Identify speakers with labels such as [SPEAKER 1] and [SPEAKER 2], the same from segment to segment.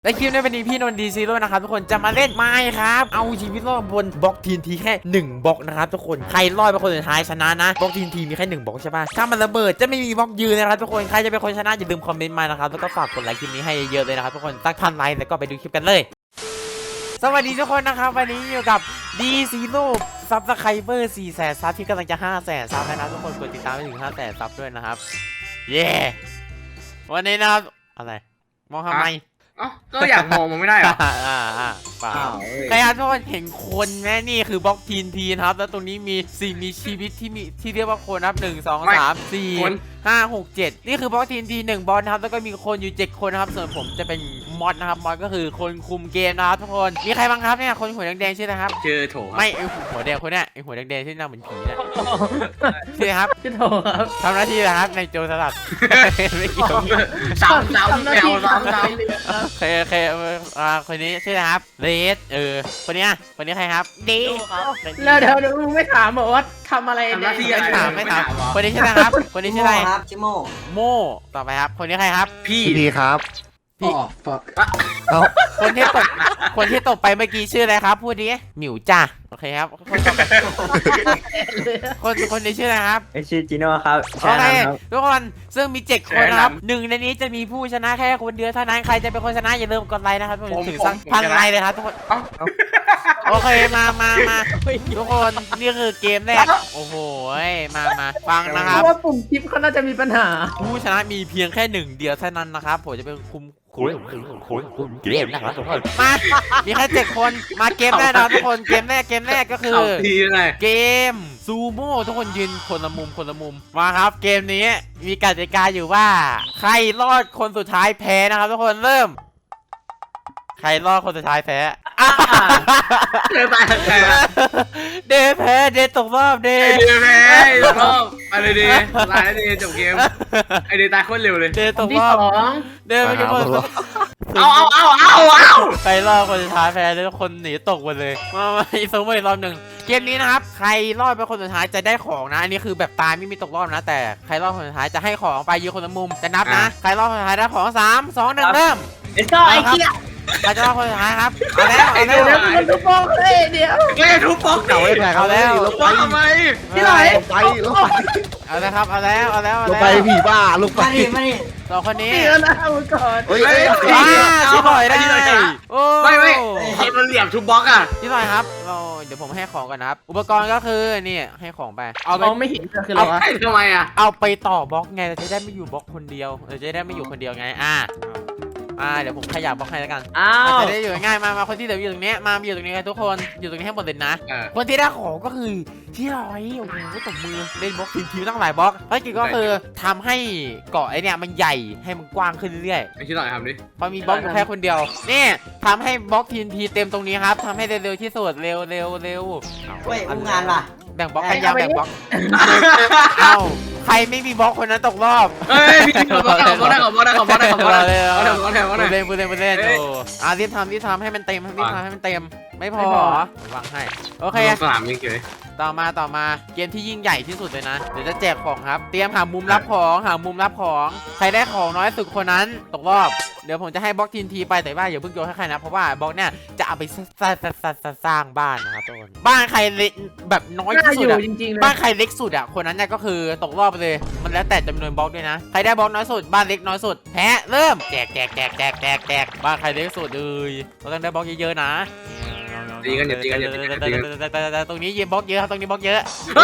[SPEAKER 1] และคลิปนี้เป็นพี่นนท์ดีซีโร่นะครับทุกคนจะมาเล่นไม้ครับเอาชีวิตรอดบนบล็อกทีนทีแค่1บล็อกนะครับทุกคนใครรอดเป็นคนสุดท้ายชนะนะบล็อกทีนทีมีแค่1บล็อกใช่ป่ะถ้ามันระเบิดจะไม่มีบล็อกยืนนะครับทุกคนใครจะเป็นคนชนะอย่าลืมคอมเมนต์มานะครับแล้วก็ฝากกดไลค์คลิปนี้ให้เยอะเลยนะครับทุกคนสัก1,000 ไลค์แล้วก็ไปดูคลิปกันเลยสวัสดีทุกคนนะครับวันนี้อยู่กับดีซีโร่ซับสไครเบอร์400,000 ซับที่กำลังจะ500,000 ซับนะทุกคนกดติดตามไปถึง500,000 ซับด้วยนะครับเย้วันนี้นะครับอะไรมองทำไม
[SPEAKER 2] ก็อยากมองมันไม่ได้หรอ
[SPEAKER 1] เปล่าใครครับทุกคนเห็นคนไหมนี่คือบล็อกทีนทีนะครับแล้วตรงนี้มีสิ่งมีชีวิตที่เรียกว่าคนนะครับ1 2 3 4 5 6 7นี่คือบล็อกทีนที1บอลนะครับแล้วก็มีคนอยู่7คนนะครับส่วนผมจะเป็นมอดนะครับมอดก็คือคนคุมเกมนะครับทุกคนมีใครบ้างครับเนี่ยคนหัวแดงๆชื่อนะครับ
[SPEAKER 2] เจอโถ
[SPEAKER 1] ไม่ไอหัวแดงคนเนี้ยไอหัวแดงๆที่หน้าเหมือนผีเนี่ยชื่อครับ
[SPEAKER 3] ชื่อโถครับ
[SPEAKER 1] ทำหน้าที่นะครับในโจรสลัดไม่เกี่ยว
[SPEAKER 2] ซ้ำแมวซ้ำ
[SPEAKER 1] เคคนนี้ชื่อนะครับเรสคนนี้ใครครับดี
[SPEAKER 3] แล้วเดี๋ยวมึงไม่ถามบอกว่าทำอะไร
[SPEAKER 1] ไม่ถามคนนี้ชื่ออะไรครับคนนี้ชื่ออะไร
[SPEAKER 4] ครับชิโ
[SPEAKER 1] โมต่อไปครับคนนี้ใครครับ
[SPEAKER 2] พี่
[SPEAKER 4] ดีครับ
[SPEAKER 3] พี่
[SPEAKER 1] คนที่ตกไปเมื่อกี้ชื่ออะไรครับพูดดิหมิวจ้าโอเคครับคนนี้ชื่ออะไรครับ
[SPEAKER 4] ชื่อจิโน่ครับ
[SPEAKER 1] โอเคทุกคนซึ่งมี7คนนะครับ1ในนี้จะมีผู้ชนะแค่คนเดียวเท่านั้นใครจะเป็นคนชนะอย่าลืมกดไลค์นะครับถึงสัก1,000 ไลค์เลยครับทุกคนโอเคมาทุกคนนี่คือเกมแรกโอ้โหมาฟังนะครับ
[SPEAKER 3] ว่าปุ่มคลิปเขาน่าจะมีปัญหา
[SPEAKER 1] ผู้ชนะมีเพียงแค่1เดียวเท่านั้นนะครับผมจะเป็นคุมเกมนะครับทุกคนมามีแค่7คนมาเกมแรกนะทุกคนเกมแรกก็คือเกมซูโม่ทุกคนยืนคนละมุมมาครับเกมนี้มีกติกาอยู่ว่าใครรอดคนสุดท้ายแพ้นะครับทุกคนเริ่มใครรอดคนสุดท้ายแพ้
[SPEAKER 2] เดย์ตาย
[SPEAKER 1] เดย์แพ้เดย์ตกรอบเดย์
[SPEAKER 2] แพ้ตกรอบอะไรเดย์ตายเดย์จบเกมไอเดย์ตายโคตรเร็วเลย
[SPEAKER 1] เดย์ตกรอบเดย์ไม่กี่คน
[SPEAKER 2] เอา
[SPEAKER 1] ใครรอดคนสุดท้ายแพ้แล้วคนหนีตกหมดเลยมาอีกสองอีกรอบหนึ่งเกมนี้นะครับใครรอดเป็นคนสุดท้ายจะได้ของนะอันนี้คือแบบตายไม่มีตกรอบนะแต่ใครรอดคนสุดท้ายจะให้ของไปยืนคนละมุมจะนับนะใครรอดคนสุดท้ายได้ของ3 2 1เริ่ม
[SPEAKER 3] ไอ้เหี้ย
[SPEAKER 1] ใครจะรอดคนสุดท้ายครับเอาแล้ว
[SPEAKER 3] มันทุบป๊อกเลยเดี๋ยว
[SPEAKER 2] ทุบป๊อก
[SPEAKER 1] เก่าไอ้แผลเอาแล้ว
[SPEAKER 2] ทำไม
[SPEAKER 3] ที่ไหน
[SPEAKER 4] ลงไป
[SPEAKER 1] เอาแล้วครับเอาแล้ว
[SPEAKER 4] ลงไปผีบ้าลงไป
[SPEAKER 1] สองคนนี้
[SPEAKER 3] เดี๋ยวนะมึงก่อน
[SPEAKER 1] ชิบหอยได้
[SPEAKER 2] ไม่ใครมันเหลี่ยมทุบบ็อกอ่ะ
[SPEAKER 1] ชิบหอยครับเดี๋ยวผมให้ของก่อนนะครับอุปกรณ์ก็คือนี่ให้ของไป
[SPEAKER 3] มองไม่เห็นคืออะไรวะ
[SPEAKER 2] ทำไมอ่ะ
[SPEAKER 1] เอาไปต่อบล็อกไงเราจะได้ไม่อยู่บล็อกคนเดียวเราจะได้ไม่อยู่คนเดียวไงเดี๋ยวผมขยับบล็อกให้แล้วกันจะได้อยู่ง่ายมาคนที่เดี๋ยวอยู่ตรงนี้มาอยู่ตรงนี้กันทุกคนอยู่ตรงนี้ให้หมดเลยนะคนที่ได้ของก็คือที่ร้อยโอ้โหตบมือเล่นบล็อกทีมตั้งหลายบล็อกภารกิจก็คือทำให้เกาะไอเนี่ยมันใหญ่ให้มันกว้างขึ้นเรื่อย
[SPEAKER 2] ๆไอ้ที่หน่อยทำดิ
[SPEAKER 1] พอมีบล็อกอยู่แค่คนเดียวนี่ทำให้บล็อกทีเต็มตรงนี้ครับทำให้เร็วที่สุดเร็ว
[SPEAKER 4] เฮ้ยงานล่ะ
[SPEAKER 1] แบ่งบล็อกกันยาวแบ่งบล็อกใครไม่มีบล็อกคนนั้นตกรอบ
[SPEAKER 2] พี่ขอบอลได้เ
[SPEAKER 1] ล่นรีบทำให้มันเต็มไม่พอวางให้โอเค
[SPEAKER 2] สนามยิงเฉย
[SPEAKER 1] ต่อมาเกมที่ยิ่งใหญ่ที่สุดเลยนะเดี๋ยวจะแจกของครับเตรียมหามุมรับของใครได้ของน้อยสุดคนนั้นตกรอบเดี๋ยวผมจะให้บล็อกทีไปแต่ว่าอย่าเพิ่งโยนให้ใครนะเพราะว่าบล็อกเนี่ยจะเอาไปสร้างบ้านนะครับทุกคนบ้านใครเล็กแบบน้อยที่สุดอะบ้านใครเล็กสุดอะคนนั้นเนี่ยก็คือตกรอบไปเลยมันแล้วแต่จำนวนบล็อกด้วยนะใครได้บล็อกน้อยสุดบ้านเล็กน้อยสุดแพ้เริ่มแจกบ้านใครเล็กสุดเลยเราต้องได้บล็อกเยอะๆนะ
[SPEAKER 2] ตีกัน
[SPEAKER 1] ตรงนี้ยืมบล็อกเยอะครับตรงนี้บล็อกเยอะ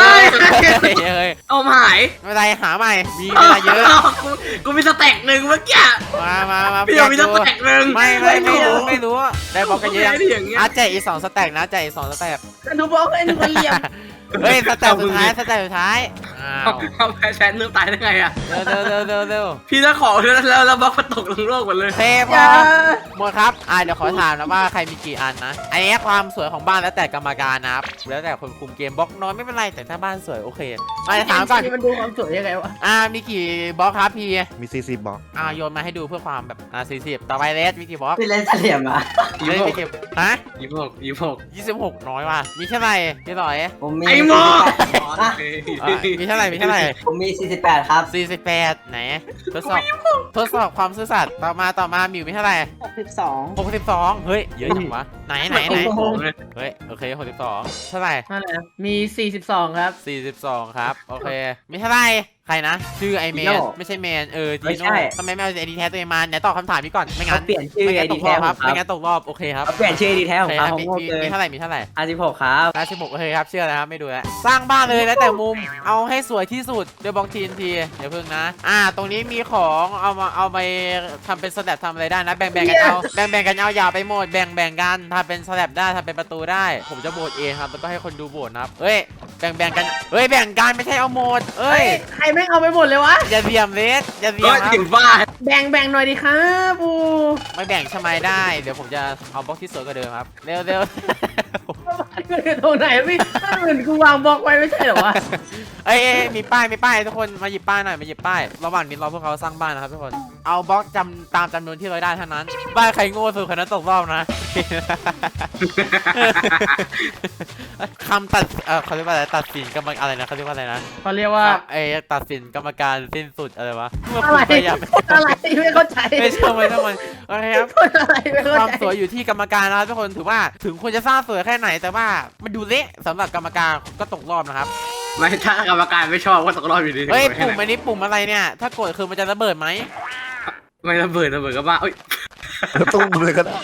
[SPEAKER 2] เอาหาย
[SPEAKER 1] ไม่เป็นไรหาใหม่มีเวลาเยอะ
[SPEAKER 2] กูมีสแต็กหนึ่งเมื่อกี้
[SPEAKER 1] มา
[SPEAKER 2] พี่มีสแต็กหนึ่ง
[SPEAKER 1] ไม่รู้ได้บล็อกกันเยอะแจกอีก2 สแต็กนะแจกอีก2 สแต็ก
[SPEAKER 3] ดูบล็อกไอ้หนูเหลี่ยม
[SPEAKER 1] เฮ้ยสแต็กสุดท้าย
[SPEAKER 2] เอาแพ้แชนเริ่มตายได้ไงอ่ะ
[SPEAKER 1] เร็ว
[SPEAKER 2] พี่จะขอแล้วบล็อกมันตกลงโลกหมดเลย
[SPEAKER 1] เทพหมดครับเดี๋ยวขอถามนะว่าใครมีกี่อันนะอันนี้ความสวยของบ้านแล้วแต่กรรมการนะครับแล้วแต่คนคุมเกมบล็อกน้อยไม่เป็นไรแต่ถ้าบ้านสวยโอเคมาถามก่อน
[SPEAKER 3] มันดูความสวยยังไงวะ
[SPEAKER 1] มีกี่บล็อกครับพี่
[SPEAKER 4] มี40 บล็อก
[SPEAKER 1] โยนมาให้ดูเพื่อความแบบ40ต่อไปเลสมีกี่บล็อก
[SPEAKER 4] พี่เล่นเหลี่ยม
[SPEAKER 1] เล่นกี่ฮะ
[SPEAKER 2] 26
[SPEAKER 1] 26น้อยว่ะมีแค่ไหนพี่ต่อย
[SPEAKER 2] ไอ้โม
[SPEAKER 4] อ่ะ
[SPEAKER 1] มีเท่าไหร่มีเท่าไหร่
[SPEAKER 4] ผมมี48ครับ
[SPEAKER 1] 48ไหนทดสอบความซื่อสัตย์ต่อมามิวมีเท่าไหร่
[SPEAKER 3] 62
[SPEAKER 1] 62เฮ้ยเยอะจังวะไหนเฮ้ยโอเค62เท่าไหร่
[SPEAKER 3] นั่นแหละมี42ครับ
[SPEAKER 1] 42ครับโอเคมีเท่าไหร่ใครนะชื่อไอแมน
[SPEAKER 3] จีโน่
[SPEAKER 1] ไม่ใช่แมนจี
[SPEAKER 4] ไม่
[SPEAKER 1] โน่
[SPEAKER 4] ใช่
[SPEAKER 1] ทำไมไม่เอาไอดีแท้ตัวเองมาไหนตอบคำถามนี้ก่อนไม่งั้
[SPEAKER 4] เขา
[SPEAKER 1] น
[SPEAKER 4] เปลี่ยนชื่อ
[SPEAKER 1] ไม่
[SPEAKER 4] ไอ
[SPEAKER 1] งั้นต
[SPEAKER 4] ดี
[SPEAKER 1] กร
[SPEAKER 4] แท้
[SPEAKER 1] อบครับ
[SPEAKER 4] ค
[SPEAKER 1] ไม่
[SPEAKER 4] รับ
[SPEAKER 1] งั้นตกรอบโอเคครับ
[SPEAKER 4] เขาเปลี่ยนชื่อไอดีแท้
[SPEAKER 1] โอ
[SPEAKER 4] ของ
[SPEAKER 1] เค
[SPEAKER 4] เขา
[SPEAKER 1] ครับ
[SPEAKER 4] ของโง่เลย
[SPEAKER 1] มีเท่าไหร่มีเท่าไหร่
[SPEAKER 4] 56ครับ
[SPEAKER 1] 56โอเคครับเชื่อแล้วครับไม่ดูแล้วสร้างบ้านเลยแล้วแต่มุมเอาให้สวยที่สุดเดี๋ยวบอกทีนทีเดี๋ยวเพิ่งนะตรงนี้มีของเอาไปทำเป็นสแลบทำอะไรได้นะแบ่งกันเอาแบ่งกันเอาอย่าไปหมดแบ่งกันทำเป็นสแลบได้ทำเป็นประตูได้ ผมจะโหวตเองครับแล้วก็ให้คนดูโหวตนะครับเฮ้ยแบ่งกันเฮ้ยแบ่งกันไม่ใช่เอาหมดเอ้ย
[SPEAKER 3] ใครแม่งเอาไปหมดเลยวะ
[SPEAKER 1] อย่าเบียมเลสอย่าเบีย
[SPEAKER 2] ก็
[SPEAKER 1] มครับ
[SPEAKER 2] ถึงบ้า
[SPEAKER 3] แบ่งหน่อยดิครับปู
[SPEAKER 1] ไม่แบ่งใช่ไหมได้เดี๋ยวผมจะเอาบล็อกที่สวยกว่าเดิมครับเร็ว
[SPEAKER 3] ตรงไหนพี่เหมือนกูวางบล็อกไว้ไม่ใช่เหรอวะ
[SPEAKER 1] เอ้ยมีป้ายทุกคนมาหยิบป้ายหน่อยมาหยิบป้ายระหว่างนี้รอพวกเขาสร้างบ้านนะครับทุกคนเอาบล็อกตามจำนวนที่เราได้เท่านั้นบ้านใครโง่สุดคนนั้นตกรอบนะ คำตัดเขาเรียกว่าอะไรตัดสินกรรมอะไรนะเขาเรียกว่าอะไรนะ
[SPEAKER 3] เขาเรียกว่า
[SPEAKER 1] ตัดสินกรรมการสิ้นสุดอะไรวะเมื่อ
[SPEAKER 3] อะ
[SPEAKER 1] คุณ
[SPEAKER 3] ไร
[SPEAKER 1] พยายาม
[SPEAKER 3] อะไรไม่เข้าใจ
[SPEAKER 1] ไม่ใช่ไม่ต้องมันโอเคครับ
[SPEAKER 3] อะไรไม่เข้า
[SPEAKER 1] ความ
[SPEAKER 3] ใจ
[SPEAKER 1] สวยอยู่ที่กรรมการนะครับทุกคนถือว่าถึงคุณจะสร้างสวยแค่ไหนแต่ว่ามันดูเละสำหรับกรรมการก็ตกรอบนะครับ
[SPEAKER 2] ไม่ถ้ากรรมการไม่ชอบก็ตกรอบอยู่ดี
[SPEAKER 1] เฮ้ยปุ่มอันนี้ปุ่มอะไรเนี่ยถ้ากดคือมันจะระเบิดไหม
[SPEAKER 2] ไม่ระเบิดก็บ้าเอ้ย
[SPEAKER 4] ตุ้มเลยก็ได้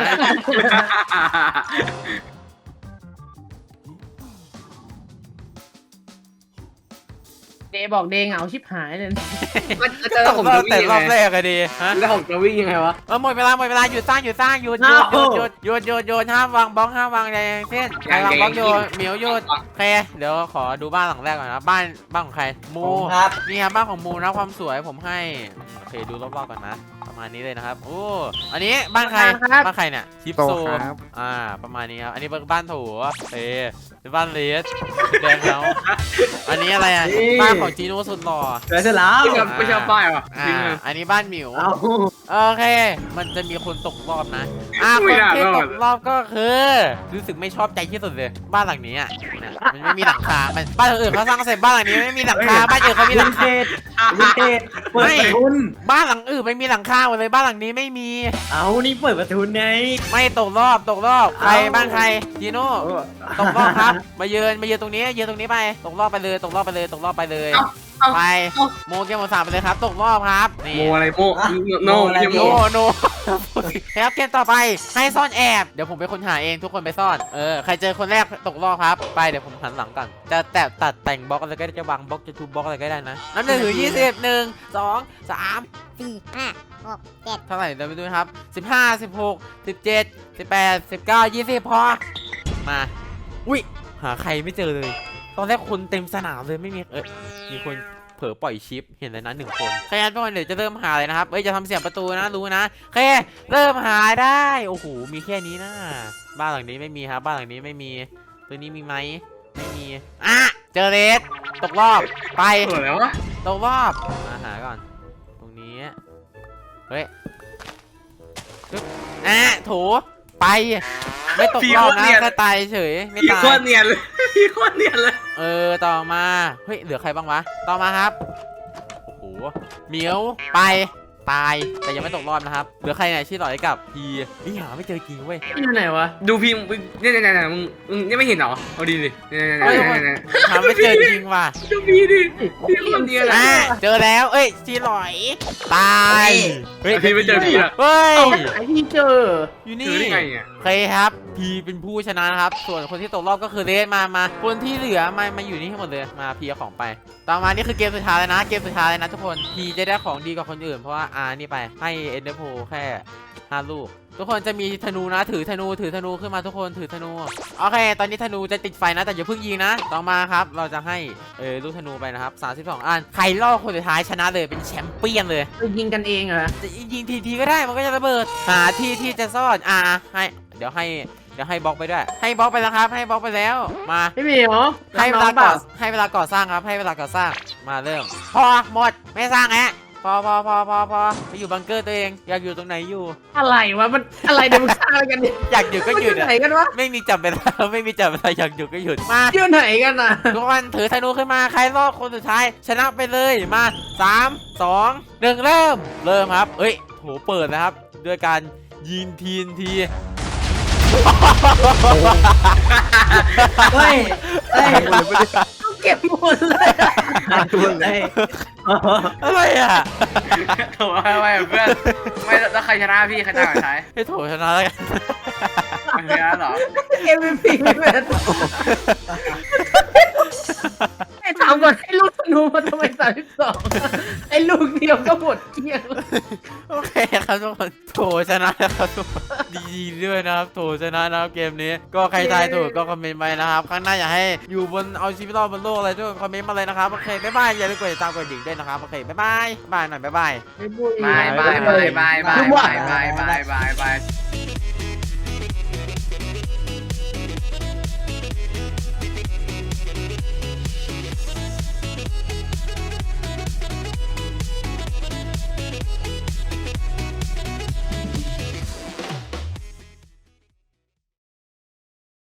[SPEAKER 3] เดบอกเดเหงาชิบหายเลย
[SPEAKER 2] แล้วผมจะวิ่
[SPEAKER 1] แต่
[SPEAKER 2] งยัง
[SPEAKER 1] รอบ
[SPEAKER 2] ไง
[SPEAKER 1] แรกอะดีฮะ
[SPEAKER 2] แล้วผมจะวิ่งยังไงวะ
[SPEAKER 1] หมดเวลาหยุดสร้างหยุดห้ามวางบล็อกห้ามวางอะไรทั้งสิ้นใครวางบล็อกโยนเหมียวหยุดโอเคเดี๋ยวขอดูบ้านหลังแรกก่อนนะบ้านของใครมู
[SPEAKER 4] ครับ
[SPEAKER 1] นี่ครับบ้านของมูนะความสวยผมให้โอเคดูรอบๆก่อนนะประมาณนี้เลยนะครับโอ้อันนี้บ้านใครเนี่ยชิปโซประมาณนี้ครับอันนี้บ้านโถเป็นบ้านเลสแดงแล้วอันนี้อะไรบ้านของจีโน่สุดหล่อ
[SPEAKER 4] เสร็จแล้ว
[SPEAKER 2] ไม่ชอบป้ายวะ
[SPEAKER 1] อันนี้บ้านหมิว
[SPEAKER 4] เอา
[SPEAKER 1] โอเค มันจะมีคนตกรอบนะคนที่ตกรอบก็คือรู้สึกไม่ชอบใจที่สุดเลยบ้านหลังนี้อ่ะมันไม่มีหลังคาบ้านอื่นเขาสร้างเสร็จบ้านหลังนี้ไม่มีหลังคาบ้านอื่นเขามีหลังคา
[SPEAKER 4] วินเทจเปิดประทุน
[SPEAKER 1] บ้านหลังอื่นไม่มีหลังคาหมดเลยบ้านหลังนี้ไม่มี
[SPEAKER 4] เอานี่เปิดประทุนไง
[SPEAKER 1] ไม่ตกรอบใครบ้านใครจีโน่ตกรอบครับมายืนตรงนี้ไปตกรอบไปเลยไปโมเกม3ไปเลยครับตกรอบครับนี่
[SPEAKER 2] โมอะไรโมโนโม
[SPEAKER 1] โนครับเกมต่อไปให้ซ่อนแอบเดี๋ยวผมเป็นคนหาเองทุกคนไปซ่อนใครเจอคนแรกตกรอบครับไปเดี๋ยวผมหันหลังก่อนจะตัดแต่งบล็อกอะไรก็ได้จะวางบล็อกจะทุบบล็อกอะไรก็ได้นะนับ1 ถึง 20 1 2 3
[SPEAKER 5] 4 5 6 7
[SPEAKER 1] เท่าไหร่เดี๋ยวไปดูนะครับ15 16 17 18 19 20พอมาอุ้ยหาใครไม่เจอเลยตอนแรกคนเต็มสนามเลยไม่มีมีคนเผลอปล่อยชิปเห็นเลยนะ1 คนใครงั้นทุกคนเดี๋ยวจะเริ่มหาเลยนะครับจะทำเสียงประตูนะรู้นะโอเคเริ่มหาได้โอ้โหมีแค่นี้นะบ้านหลังนี้ไม่มีครับบ้านหลังนี้ไม่มีตัวนี้มีไหมไม่มีเจอเลสตกรอบไป
[SPEAKER 2] แล้ววะ
[SPEAKER 1] ตกรอบมาหาก่อนตรงนี้เฮ้ยโถไปไม่ตกรอบนะแค่ตายเฉยไม่
[SPEAKER 2] พี่
[SPEAKER 1] ตาย
[SPEAKER 2] โคตรเนียนเลยพี่โคตรเนียนเลย
[SPEAKER 1] ต่อมาเฮ้ยเหลือใครบ้างวะต่อมาครับโอ้โหเหมียวไปตายแต่ยังไม่ตกรอบนะครับเหลือใครเนี่ยชื่อหลอยกับพีนี่หาไม่เจอจริงเว้ย
[SPEAKER 3] อยู่ไหนวะ
[SPEAKER 2] ดูพี่เนี่ยมึงนี่ไม่เห็นเหรอเอาดีดิเนี่ย
[SPEAKER 1] หาไม่เจอจริงว่ะ
[SPEAKER 2] ดูพี่ดิพี่โคตรเนียนเลย
[SPEAKER 1] เจอแล้วชื่อหลอยตายเฮ้ย
[SPEAKER 2] พี่ไม่เจอพี่อะ
[SPEAKER 1] เฮ้ย
[SPEAKER 3] ไอที่เจอ
[SPEAKER 1] อยู่
[SPEAKER 2] เจ
[SPEAKER 1] นี่
[SPEAKER 2] อได้ไงอ่ะ
[SPEAKER 1] โอเคครับพีเป็นผู้ชนะครับส่วนคนที่ตกรอบก็คือเรสมาคนที่เหลือมาอยู่นี่ทั้งหมดเลยมาพีเอาของไปต่อมานี่คือเกมสุดท้ายเลยนะทุกคนพีจะได้ของดีกว่าคนอื่นเพราะว่านี่ไปให้เอ็นเดอร์โพแค่5 ลูกทุกคนจะมีธนูนะถือธนูขึ้นมาทุกคนถือธนูโอเคตอนนี้ธนูจะติดไฟนะแต่อย่าเพิ่งยิงนะต่อมาครับเราจะให้ลูกธนูไปนะครับ32 อันใครล่อคนสุดท้ายชนะเลยเป็นแชมเปี้ยนเลย
[SPEAKER 3] ยิงกันเองเหรอ
[SPEAKER 1] จะยิงทีก็ได้มันก็จะระเบิดหาที่จะซ่อนให้เดี๋ยวให้บล็อกไปด้วยให้บล็อกไปแล้วครับให้บล็อกไปแล้วมา
[SPEAKER 3] พี่เหมียว
[SPEAKER 1] ให้เวลาก่อสร้างครับให้เวลาก่อสร้างมาเริ่มพอหมดไม่สร้างแล้วพอไปอยู่บังเกอร์ตัวเองอยากอยู่ตรงไหนอยู่
[SPEAKER 3] อะไรวะมันอะไรเนี่ยมึงฆ่ากันเนี่ย
[SPEAKER 1] อยากหยุดก็
[SPEAKER 3] มัน
[SPEAKER 1] ห
[SPEAKER 3] อ
[SPEAKER 1] ยุด
[SPEAKER 3] ยู่ไหน
[SPEAKER 1] อะ
[SPEAKER 3] กันวะ
[SPEAKER 1] ไม่มีจับเวลาไม่มีจับเวลาอยากหยุดก็หยุดมา
[SPEAKER 3] อยู่ไหนกันอ่ะ
[SPEAKER 1] ทุกคนถือธนูขึ้นมาใครรอดคนสุดท้ายชนะไปเลยมา3 2 1เริ่มครับเอ้ยโหเปิดนะครับด้วยการยิงทีนที
[SPEAKER 4] เฮ้ยเฮ้ย
[SPEAKER 3] ต้องเก็บหมดเลย
[SPEAKER 4] ตัวเลย
[SPEAKER 1] อะไรอ่ะ
[SPEAKER 2] โถ่ไม่เพื่อนไม่แล้วใครชนะพี่ใครตายก่อนท้าย
[SPEAKER 1] ให้โถชนะแล้วกัน
[SPEAKER 2] ไม่ชนะหรอ
[SPEAKER 3] MVP เลยไอ้ถามก่อนไอ้ลูกธนูมาทำไม32ไอ้ลูกเดียวก็หมดเกลี้ยงแล้ว
[SPEAKER 1] โอเคครับทุกคนโถชนะแล้วครับทุกคนดีด้วยนะครับโถชนะนะครับเกมนี้ก็ใครทายถูกก็คอมเมนต์ไปนะครับข้างหน้าอยากให้อยู่บนเอาชีวิตรอดบนโลกอะไรด้วยคอมเมนต์มาเลยนะครับโอเคบ๊ายบายอย่าลืมกดติดตามกดดิ่งด้วยนะครับโอเคบ๊ายบายหน่อยบ๊ายบาย
[SPEAKER 2] บาย